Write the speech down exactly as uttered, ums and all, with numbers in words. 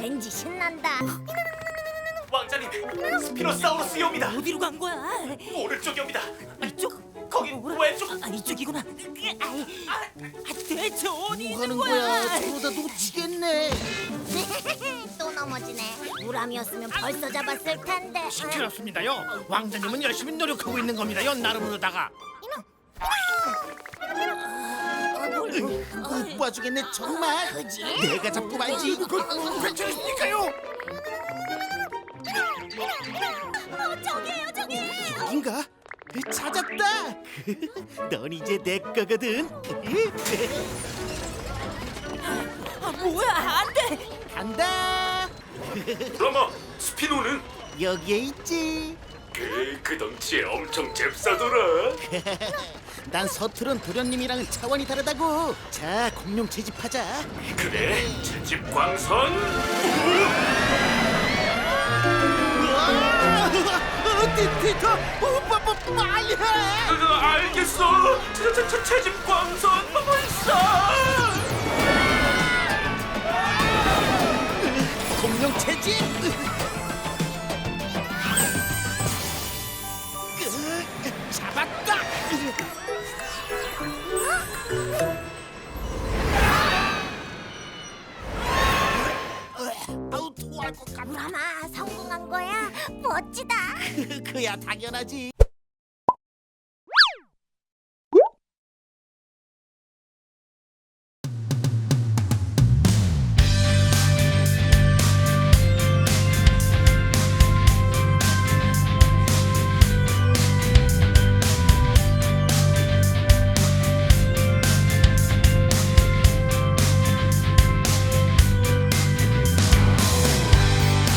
왠지 신난다. 왕자님, 스피노사우루스 옵니다. 어디로 간 거야? 오른쪽이 옵니다. 이쪽? 거긴 왼쪽. 아, 이쪽이구나. 아, 대체 어디 뭐 있는 하는 거야? 거야? 저러다 놓치겠네. 또 넘어지네. 우람이었으면 벌써 잡았을 텐데. 시끄럽습니다요. 왕자님은 열심히 노력하고 있는 겁니다요. 나름으로다가. 못 봐주겠네 정말. 그지? 내가 잡고 말지. 괜찮으십니까요? 어, 저기에요, 저기. 여긴가? 찾았다. 넌 이제 내 거거든. 아, 뭐야? 안 돼. 간다. 그러면 스피노는? 여기에 있지. 그, 그 덩치에 엄청 잽싸더라. 난 서투른 도련님이랑은 차원이 다르다고. 자, 공룡 채집하자. 그래, 채집 광선. 티터, 오빠, 뭐, 빨리 해. 어, 알겠어. 채, 채, 채, 채집 광선 벌써. 공룡 채집. 잡았다. 아우 토할 것 같아. 우람아, 성공한 거야? 멋지다. 그야 당연하지.